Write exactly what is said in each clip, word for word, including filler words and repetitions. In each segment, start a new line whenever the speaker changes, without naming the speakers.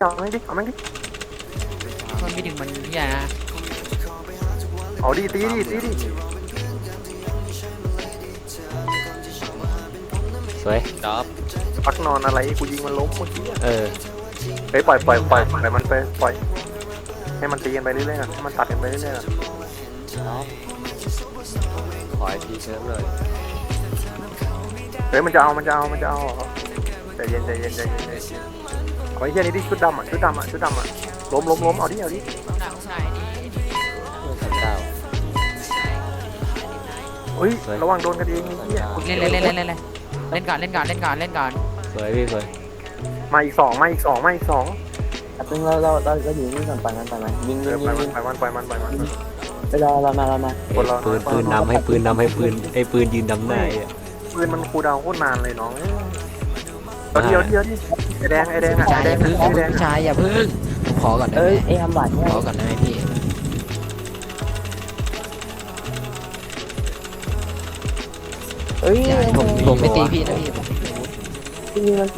เอาแม่งดิเอาแม่งดิ
มันไม่ถึงมันพี่ใหญ่นะ
เอาดิตีดิตีดิ
สวย
จับ
ปักนอนอะไรกูยิงมันล้มเมื่อกี้
เออ
เฮ้ยปล่อยปล่อยปล่อยปล่อยมันไปปล่อยให้มันตีกันไปเรื่อยๆให้มันตัดกันไปเรื่อย
ขอไอพีเชิมเลย
ๆเฮ้ยมันจะเอามันจะเอามันจะเอาใจเย็นใจเย็นใจเย็นใจเย็นเอาไอ้เหี้ยนี่ดิชุดดำอ่ะชุดดำอ่ะชุดดำอ่ะล้มล้มล้มเอาดิเอาดิ
หนังใส่ดี
เก้า
เฮ้ยระวังโดนกันเองไอ้เหี้ย
เล่นเล่นเล่นเล่นเล่นเล่นก่อนเล่นก่อนเล่นก่อนเล่นก่อน
สวยพี่สวย
มาอีกสองมาอีกสองมาอีกสอง
ตึงเราเราเราเราอยู่นี่ก่อนปล่อยมันปล่อยมันยิงยิงยิงยิง
ปล่อยมันปล่อยมันปล่อยมัน
ไปรอเรามาเรามา
ปืนปืนนำให้ปืนนำให้ปืนไอ้ปืนยืนนำหน้าอ่ะ
ปืนมันคูลดาวน์โคตรนานเลยน้องเดียวเดียวดิไอแดงไอแดงอ่ะไอแดงไอแดง
ชายอย่าพึ่งผมขอก่อนได้
เอ้
ไหม
ยไอ้ทำบาดเนี่ย
ขอก่อนได้ไหมพี่
เอ้ย
ผมผมไม่ตีพี่นะพี่
ยิงมัน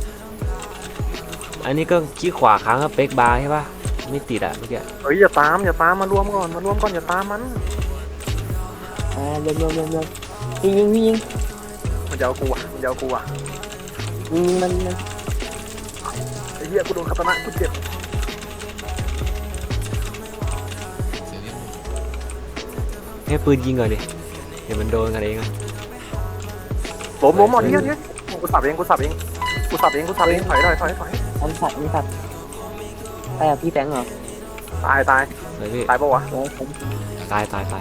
อันนี้ก็ขี้ขวาค้างกับเป๊กบาร์ใช่ป่ะไม่ติดอ่ะเมื่อกี้
เฮ้ยอย่าตามอย่าตามมารวมก่อนมารวมก่อนอย่าตามมัน
อ่าเร็วเร็วเร็วเร็วยิงยิงยิง
มันจะเอากูอ่ะมันจะเอากูอ่ะ
ยิงมันมัน
ไอ้เหี้ยกูโดนคาตานะกูเจ็บ
ให้ปืนยิงก่อนดิเดี๋ยวมันโดนกันเองอ่ะ
ล้มล้มอ่ะเหี้ยเหี้ยกูสับเองกูสับเองกูสับเองกูสับเองถอยถอยถอยถอย
มันสัตว์มันสัตว์ไอ้พี่แตงเหรอ
ตายตาย
สวยพี่
ตายปะวะ
โอ้ยผม
ตายตายตาย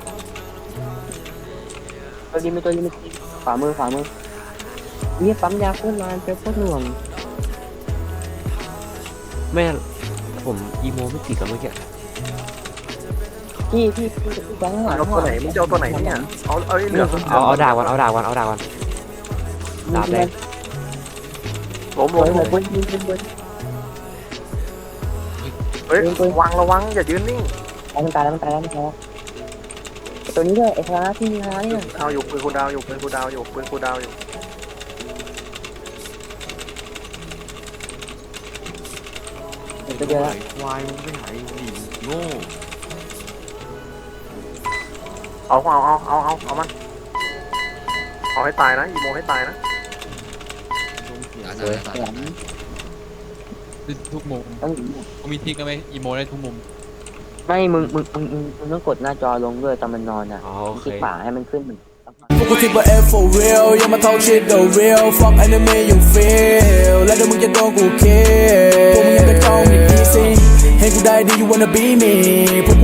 ตัวยิงไม่ตัวยิงไม่ขวามือขวามือนี่ปั๊มยาโคตรนานเป็นโคตรหน่วง
แม่ผมอีโมไม่ติดกับเมื่อกี้
พี่พี่พี่แตงหลัง
เอาตัวไหนมึงจะเอาตัวไหนเนี่ยเอาเอาเหลือ
เอาเอาดาบวันเอาดาบวันเอาดาบวันดาบแดง
ล้ม
โอ้
ล้ม
ยบนยิงบนบน
เฮ้ยวังระวังอย่ายืนนิ่ง
มันตายแล้วมันตายแล้วมันตายแล้วตัวนี้ด้วยไอ้คาราที่มีคาราเนี่ย
เอาอยู่ปืนกูดาวอยู่ปืนกูดาวอยู่ปืนกูดาวอยู่
ตัวเดียวละ
วายมึงไปไหนหนีโง่
เอาเอาเอาเอาเอาเอามันเอาให้ตายนะอีโมให้ตายนะ
สวย
แหลม
ทุกมุม
ต้อง
กูมีทิกไหมอีโมได้ทุกมุม
ไม่มึงมึงมึงมึงมึงต้องกดหน้าจอลงด้วยตอนมันนอนอ่ะ
อ๋อโอเค
คลิกขวาให้มันขึ้นเหมือน
พวกกูคิดว่า F for real อย่ามา talk shit the real fuck enemy you feel แล้วเดี๋ยวมึงจะโดนกู kill พวกมึงยังกระจอกอย่าง easy ให้กูได้ดี you wanna be me